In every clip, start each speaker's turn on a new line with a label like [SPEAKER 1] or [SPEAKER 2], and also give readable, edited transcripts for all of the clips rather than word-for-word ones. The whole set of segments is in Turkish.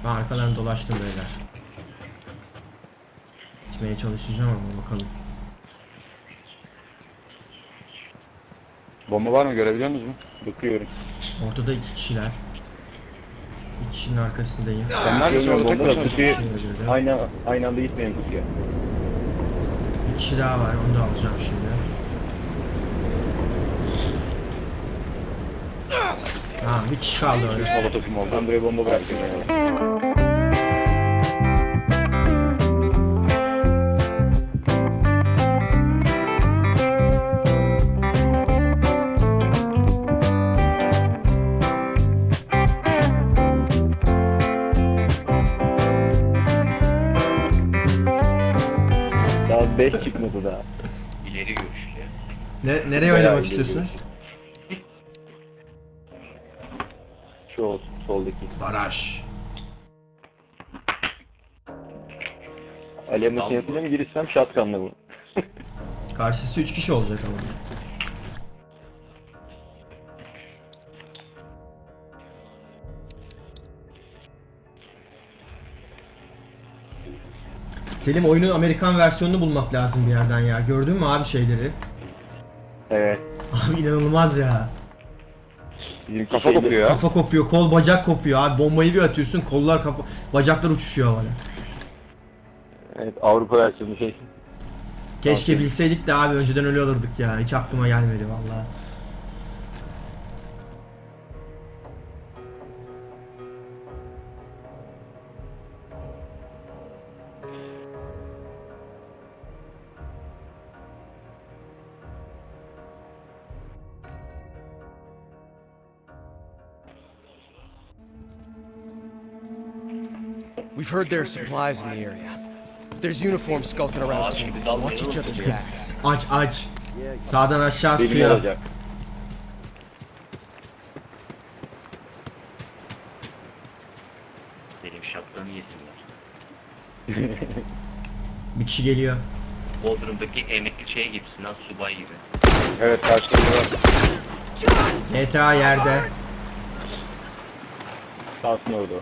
[SPEAKER 1] Ben arkalarını dolaştım beyler. Gitmeye çalışacağım ama bakalım.
[SPEAKER 2] Bomba var mı, görebiliyor musunuz? Bakıyorum.
[SPEAKER 1] Ortada 2 kişiler. Bir kişinin arkasındayım.
[SPEAKER 2] Sen neredesin, orada tek başına
[SPEAKER 3] kutuyu
[SPEAKER 1] Öldürdüm.
[SPEAKER 3] aynı anda gitmeyin kutuya.
[SPEAKER 1] Bir kişi daha var, onu da alacağım şimdi. Tamam, bir kişi kaldı öyle.
[SPEAKER 3] Molotofum oldu. Ben buraya bomba bıraktım. Daha 5 çıkmadı daha.
[SPEAKER 4] İleri görüşlü.
[SPEAKER 1] Nereye
[SPEAKER 3] Bayağı
[SPEAKER 1] oynamak
[SPEAKER 3] ileri
[SPEAKER 1] istiyorsun?
[SPEAKER 3] Şu olsun, soldaki.
[SPEAKER 1] Baraj.
[SPEAKER 3] Alemasını yapacağım, girişsem shotgun'la bu.
[SPEAKER 1] Karşısı 3 kişi olacak ama. Selim, oyunun Amerikan versiyonunu bulmak lazım bir yerden ya. Gördün mü abi şeyleri?
[SPEAKER 3] Evet.
[SPEAKER 1] Abi inanılmaz ya.
[SPEAKER 3] Bizim
[SPEAKER 2] Kafa kopuyor ya.
[SPEAKER 1] Kafa kopuyor, kol bacak kopuyor abi. Bombayı bir atıyorsun, kollar kafa, bacaklar uçuşuyor havada.
[SPEAKER 3] Evet, Avrupa versiyonu şey.
[SPEAKER 1] Keşke
[SPEAKER 3] Aferin.
[SPEAKER 1] bilseydik de abi önceden öyle alırdık ya. Hiç aklıma gelmedi vallahi.
[SPEAKER 5] We've heard there are supplies in the area. There's uniforms skulking around too. Watch each other's backs.
[SPEAKER 1] Aç aç. Sağdan aşağı
[SPEAKER 3] Benim
[SPEAKER 1] suya.
[SPEAKER 3] olacak.
[SPEAKER 4] Benim şapkamı yesinler.
[SPEAKER 1] Bir kişi geliyor.
[SPEAKER 4] Bodrum'daki emekli şeye gibisin lan, subay gibi.
[SPEAKER 2] Evet, karşıda var.
[SPEAKER 1] GTA yerde.
[SPEAKER 3] Kalsın orada.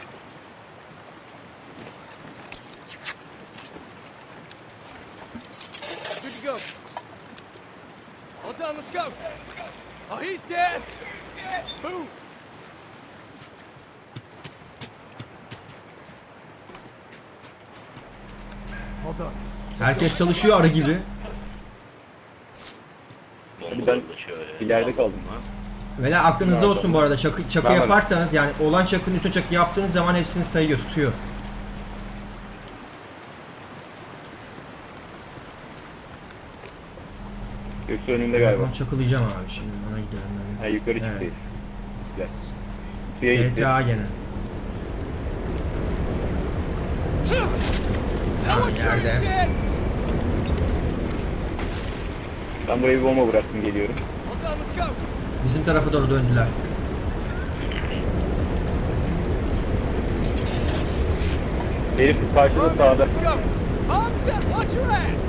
[SPEAKER 5] Good to go. All done, let's go. Oh, he's dead. Boom.
[SPEAKER 1] Herkes çalışıyor arı gibi.
[SPEAKER 4] Bomba
[SPEAKER 3] ben
[SPEAKER 4] şöyle.
[SPEAKER 3] ileride kaldım.
[SPEAKER 1] Ve aklınızda olsun bu arada çakı
[SPEAKER 2] Ben varım.
[SPEAKER 1] yaparsanız yani olan çakının üstüne çakı yaptığınız zaman hepsini sayıyor, tutuyor.
[SPEAKER 3] Göksu önünde galiba.
[SPEAKER 1] Ben çakılayacağım abi şimdi, ona gidiyorum
[SPEAKER 3] Ha,
[SPEAKER 1] ben.
[SPEAKER 3] yukarı
[SPEAKER 1] Evet.
[SPEAKER 3] çıktı. Güzel. Suya gitti.
[SPEAKER 1] GTA gene. Tamam, yerde.
[SPEAKER 5] Dead.
[SPEAKER 3] Ben buraya bir bomba bıraktım, geliyorum.
[SPEAKER 5] All done, let's go.
[SPEAKER 1] Bizim tarafa doğru döndüler.
[SPEAKER 3] Herif karşıda sağda.
[SPEAKER 5] Let's go. Bomb set, watch your ass.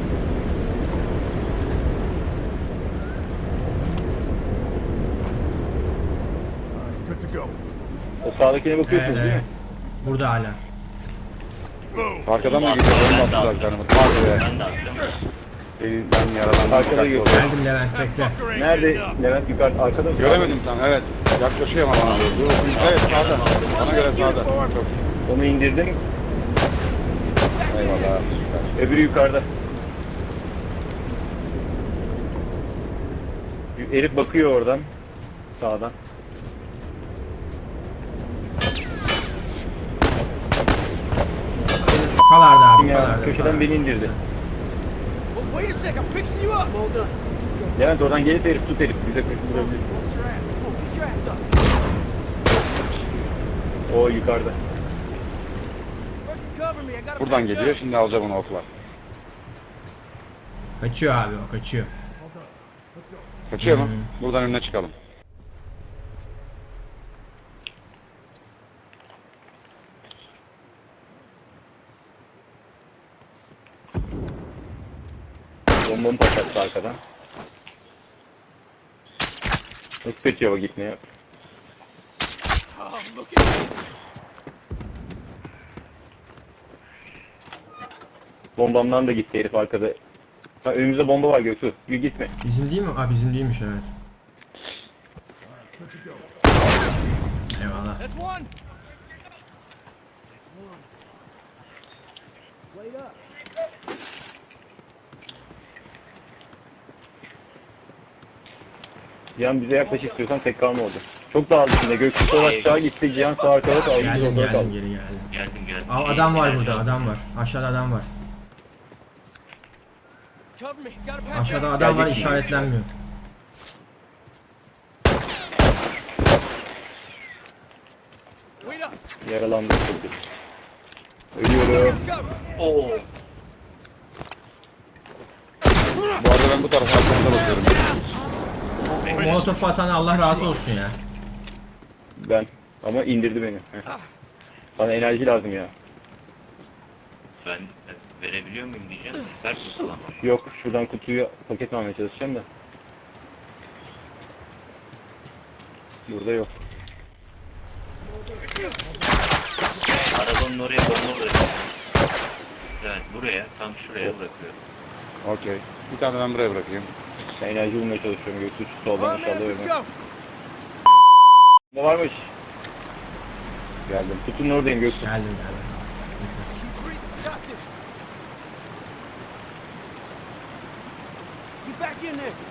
[SPEAKER 3] O sağdakine bakıyorsunuz değil mi?
[SPEAKER 1] Burada hala.
[SPEAKER 2] Arkadan mı
[SPEAKER 4] Ben
[SPEAKER 2] gidiyor?
[SPEAKER 4] de
[SPEAKER 2] Bomba attılar
[SPEAKER 4] attım.
[SPEAKER 2] canımı. Hadi be.
[SPEAKER 4] Ben de attım.
[SPEAKER 2] Elinden yaralandım.
[SPEAKER 3] Arkada
[SPEAKER 2] Dikkatli
[SPEAKER 3] geliyor.
[SPEAKER 2] ol.
[SPEAKER 1] Geldim Levent, bekle.
[SPEAKER 3] Nerede? Levent yukarı, arkada mı?
[SPEAKER 2] Göremedim tam, evet. Yaklaşıyor ama bana doğru. Evet, sağda. Bana göre sağda. Çok.
[SPEAKER 3] Onu indirdim.
[SPEAKER 2] Eyvallah.
[SPEAKER 3] Öbürü yukarıda. Herif bakıyor oradan. Sağdan.
[SPEAKER 1] Kalardı abi,
[SPEAKER 3] Ya,
[SPEAKER 1] kalardı.
[SPEAKER 3] köşeden beni indirdi.
[SPEAKER 5] Oh, wait a sec, I'm fixing you up. Well done.
[SPEAKER 3] Levent oradan gelip herif tut herif. Bize kaçırabilir.
[SPEAKER 5] Watch your ass. Oh, get your ass up.
[SPEAKER 3] O yukarıda.
[SPEAKER 5] Fucking cover me. I got a
[SPEAKER 2] Buradan
[SPEAKER 5] patch
[SPEAKER 2] geliyor,
[SPEAKER 5] up.
[SPEAKER 2] şimdi alacağım onu okla.
[SPEAKER 1] Kaçıyor abi o, kaçıyor.
[SPEAKER 2] Kaçıyor mu? Buradan önüne çıkalım.
[SPEAKER 3] Bombamı patlattı arkadan. Nasıl kaçıyor o gitmeye?
[SPEAKER 5] Oh, look at me.
[SPEAKER 3] Bombamdan da gitti herif arkada. Ha, önümüzde bomba var Göksu. Gül gitme.
[SPEAKER 1] Bizim değil mi? Aa bizim değilmiş evet. Eyvallah.
[SPEAKER 5] That's one. Wait up.
[SPEAKER 3] Cihan bize yaklaş istiyorsan tek kalma orada. Çok dağıldı şimdi. Göksu sol aşağı gitti. Cihan sağ arkada kaldı. Biz
[SPEAKER 1] Geldim
[SPEAKER 3] ortada
[SPEAKER 1] geldim
[SPEAKER 3] kaldık.
[SPEAKER 1] geri geldim.
[SPEAKER 4] Geldim.
[SPEAKER 1] Aa, adam var burada adam var. Aşağıda adam var.
[SPEAKER 5] Cover me. Gotta patch
[SPEAKER 1] Aşağıda
[SPEAKER 5] up.
[SPEAKER 1] adam var
[SPEAKER 3] Gelecek mi?
[SPEAKER 1] işaretlenmiyor.
[SPEAKER 5] Wait up.
[SPEAKER 3] Yaralandı. Ölüyorum.
[SPEAKER 5] Let's go.
[SPEAKER 4] Oo.
[SPEAKER 2] Bu arada ben bu tarafa arkamda bakıyorum.
[SPEAKER 1] O molotofu atan Allah razı olsun ya.
[SPEAKER 3] Ben. Ama indirdi beni. Heh. Bana enerji lazım ya.
[SPEAKER 4] Ben verebiliyor muyum diyeceğim. Ters tutulamam.
[SPEAKER 3] Yok şuradan kutuyu paket almaya çalışacağım da. Burada yok.
[SPEAKER 4] Arabanın oraya bomba bırakıyorum. Evet buraya, tam şuraya bırakıyorum.
[SPEAKER 2] Okey. Bir tane ben buraya bırakayım.
[SPEAKER 3] Ben enerji bulmaya çalışıyorum. Göksu şu soldan
[SPEAKER 5] Come on,
[SPEAKER 3] inşallah
[SPEAKER 5] man. Let's
[SPEAKER 3] ölmez.
[SPEAKER 5] go.
[SPEAKER 3] Ne varmış?
[SPEAKER 2] Geldim.
[SPEAKER 3] Kutunun oradayım Göksu.
[SPEAKER 1] Geldim geldim.
[SPEAKER 5] Keep breathing. Got this. Get back in there.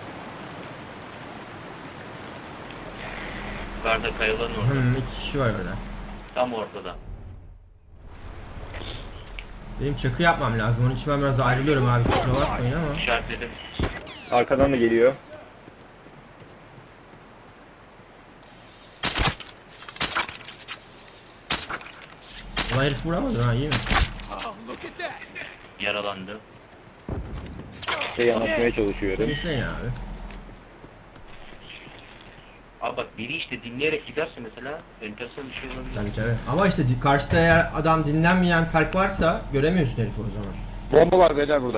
[SPEAKER 4] Yukarıda kayaların orada.
[SPEAKER 1] İki kişi var orada.
[SPEAKER 4] Tam ortada.
[SPEAKER 1] Benim çakı yapmam lazım. Onun için ben biraz ayrılıyorum abi. Kusura bakmayın ama.
[SPEAKER 4] İşaretledim.
[SPEAKER 3] Arkadan da geliyor.
[SPEAKER 1] Ulan herif vuramadı ha iyi mi?
[SPEAKER 5] Oh, look at that.
[SPEAKER 4] Yaralandı.
[SPEAKER 3] Şey anlatmaya çalışıyorum.
[SPEAKER 1] İzleyin abi.
[SPEAKER 4] Abi bak biri işte dinleyerek giderse mesela enteresan bir şey olabilir.
[SPEAKER 1] Tabii tabii. Ama işte karşıda eğer adam dinlenmeyen perk varsa göremiyorsun herifi o zaman.
[SPEAKER 2] Bomba var beyler burada.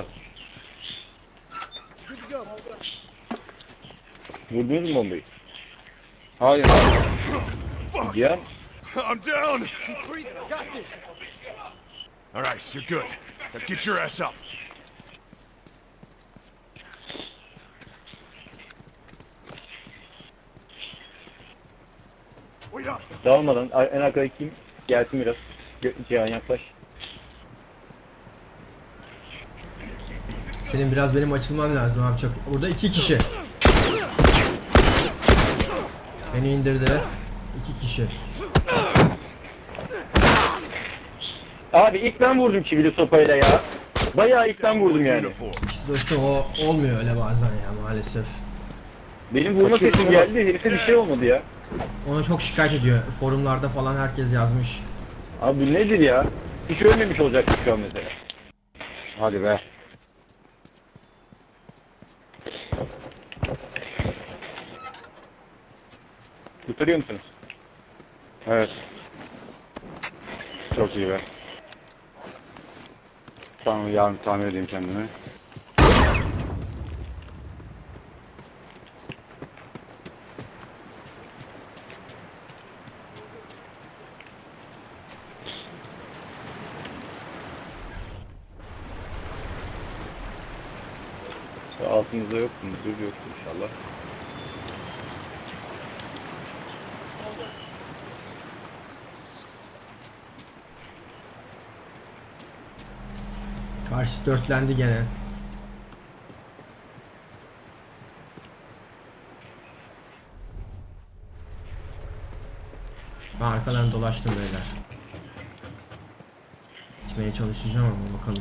[SPEAKER 5] Good to go.
[SPEAKER 3] Vurdunuz mu bombayı?
[SPEAKER 2] Hayır.
[SPEAKER 3] Cihan.
[SPEAKER 6] I'm down.
[SPEAKER 5] Keep breathing. I got this.
[SPEAKER 6] All right, you're good. Now get your ass up. Wait up.
[SPEAKER 3] Dağılmadan en arkadaki kim? Gelsin biraz. Cihan yaklaş.
[SPEAKER 1] Senin biraz benim açılmam lazım abi çok. Burada iki kişi. Beni indirdi. İki kişi.
[SPEAKER 3] Abi ilk ben vurdum çivili sopayla ya. Bayağı ilk ben vurdum yani.
[SPEAKER 6] Uniform.
[SPEAKER 1] İşte dostum o olmuyor öyle bazen ya maalesef.
[SPEAKER 3] Benim vurma sesim geldi. Herife bir şey olmadı ya.
[SPEAKER 1] Ona çok şikayet ediyor. Forumlarda falan herkes yazmış.
[SPEAKER 3] Abi bu nedir ya? Hiç ölmemiş olacaktı şu an mesela.
[SPEAKER 2] Hadi be.
[SPEAKER 3] Kurtarıyor musunuz?
[SPEAKER 2] Evet. Çok iyi be. Tamam yarın tamir edeyim kendimi.
[SPEAKER 3] Altınızda yok mu? Dur yok inşallah.
[SPEAKER 1] Karşı dörtlendi gene. Ben arkadan dolaştım beyler. Gitmeye çalışacağım ama bakalım.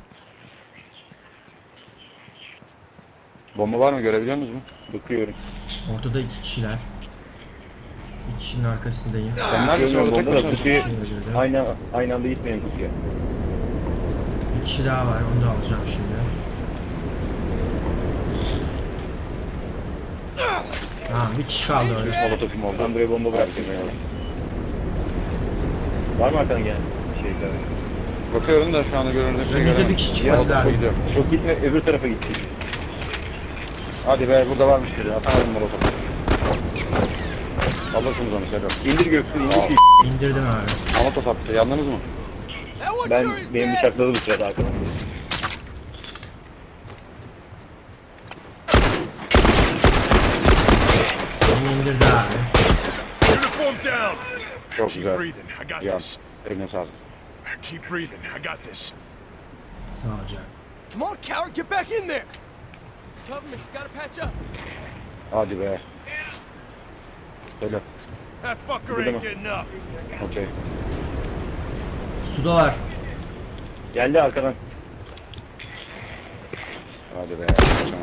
[SPEAKER 2] Bomba var mı görebiliyor musunuz?
[SPEAKER 3] Bakıyorum.
[SPEAKER 1] Ortada iki kişiler. Bir kişinin arkasındayım.
[SPEAKER 2] Sen neredesin
[SPEAKER 3] Görmüyorum
[SPEAKER 2] orada tek
[SPEAKER 3] bomba da
[SPEAKER 2] başına?
[SPEAKER 3] kutuyu
[SPEAKER 1] Kişi öldürdü.
[SPEAKER 3] aynı anda gitmeyin kutuya.
[SPEAKER 1] Bir kişi daha var onu da alacağım şimdi. Ha bir kişi kaldı orada.
[SPEAKER 3] Molotofum oldu. Ben buraya bomba bıraktım yani. Var mı arkadan gelen şeyler?
[SPEAKER 2] Bakıyorum da şu anda göründüğü şey
[SPEAKER 1] Önümüzde bir
[SPEAKER 2] göremem.
[SPEAKER 1] kişi çıkması lazım.
[SPEAKER 2] Gidiyorum.
[SPEAKER 3] Çok gitme öbür tarafa gitti.
[SPEAKER 2] Hadi be burada varmış biri. Atamadım molotofu. Alırsınız onu Sedat.
[SPEAKER 3] İndir Göksu indir ki.
[SPEAKER 1] İndirdim abi.
[SPEAKER 2] Molotof attı. Yandınız mı?
[SPEAKER 5] That one
[SPEAKER 3] Ben
[SPEAKER 5] sure is
[SPEAKER 3] benim
[SPEAKER 5] dead.
[SPEAKER 3] bıçakladı bu sırada arkadan.
[SPEAKER 1] Onu indirdi abi.
[SPEAKER 6] Uniform down.
[SPEAKER 2] Çok
[SPEAKER 6] Keep
[SPEAKER 2] güzel.
[SPEAKER 6] breathing. I got
[SPEAKER 2] Ya.
[SPEAKER 6] this.
[SPEAKER 2] Eline sağlık.
[SPEAKER 6] Keep breathing. I got this.
[SPEAKER 1] Sağ ol canım.
[SPEAKER 5] Come on, coward, get back in there. Cover me. Gotta patch up.
[SPEAKER 2] Hadi be. Söyle.
[SPEAKER 6] That fucker
[SPEAKER 2] Good
[SPEAKER 6] ain't
[SPEAKER 2] enough.
[SPEAKER 6] getting up.
[SPEAKER 2] Okey.
[SPEAKER 1] Sudalar.
[SPEAKER 3] Geldi arkadan.
[SPEAKER 2] Hadi be. Kaçamadım.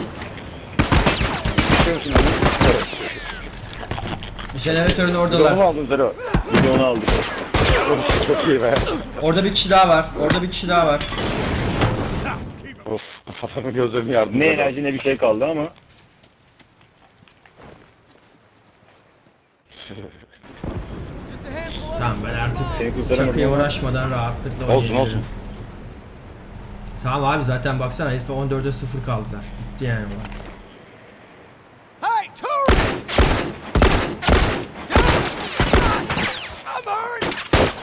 [SPEAKER 2] Çıkıyor musun lan? Evet.
[SPEAKER 1] Jeneratörün
[SPEAKER 3] Bir de onu
[SPEAKER 1] oradalar.
[SPEAKER 3] aldım Zero. Bir de onu aldım.
[SPEAKER 2] Of, çok iyi be.
[SPEAKER 1] Orada bir kişi daha var. Orada bir kişi daha var.
[SPEAKER 2] Of, adamın gözlerimi yardım.
[SPEAKER 3] Ne enerji ne bir şey kaldı ama.
[SPEAKER 5] Just a handful of
[SPEAKER 1] Tamam ben artık
[SPEAKER 3] Seni kurtaramadım
[SPEAKER 1] çakıya
[SPEAKER 3] ama.
[SPEAKER 1] uğraşmadan rahatlıkla
[SPEAKER 2] Olsun,
[SPEAKER 1] oynayabilirim.
[SPEAKER 2] olsun.
[SPEAKER 1] Tamam abi zaten baksana herife 14'e 0 kaldılar. Bitti yani bu.
[SPEAKER 5] Hey, tourist! Down! I'm hurt!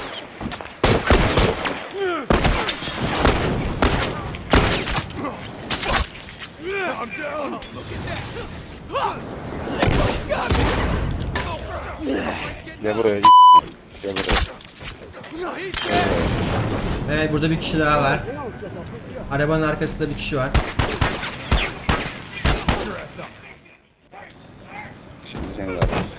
[SPEAKER 6] I'm down.
[SPEAKER 5] Got me!
[SPEAKER 2] Gel buraya. Gel buraya.
[SPEAKER 5] No, he's dead!
[SPEAKER 1] Evet burada bir kişi daha var. Arabanın arkasında bir kişi var.
[SPEAKER 2] Şimdi seni de arayayım.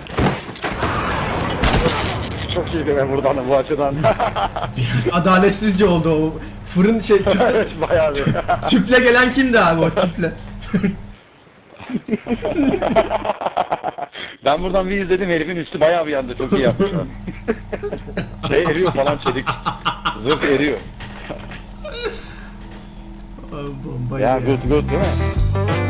[SPEAKER 2] Çok iyiydi be buradan da bu açıdan.
[SPEAKER 1] Biraz adaletsizce oldu o. Fırın şey tüple,
[SPEAKER 2] Bayağı bir.
[SPEAKER 1] tüple gelen kimdi abi o tüple?
[SPEAKER 2] Ben buradan bir izledim, herifin üstü bayağı bir yandı, çok iyi yapmışlar. Şey eriyor falan, çelik. Zırh eriyor.
[SPEAKER 1] Bomba
[SPEAKER 2] Ya
[SPEAKER 1] gibi.
[SPEAKER 2] good good değil mi?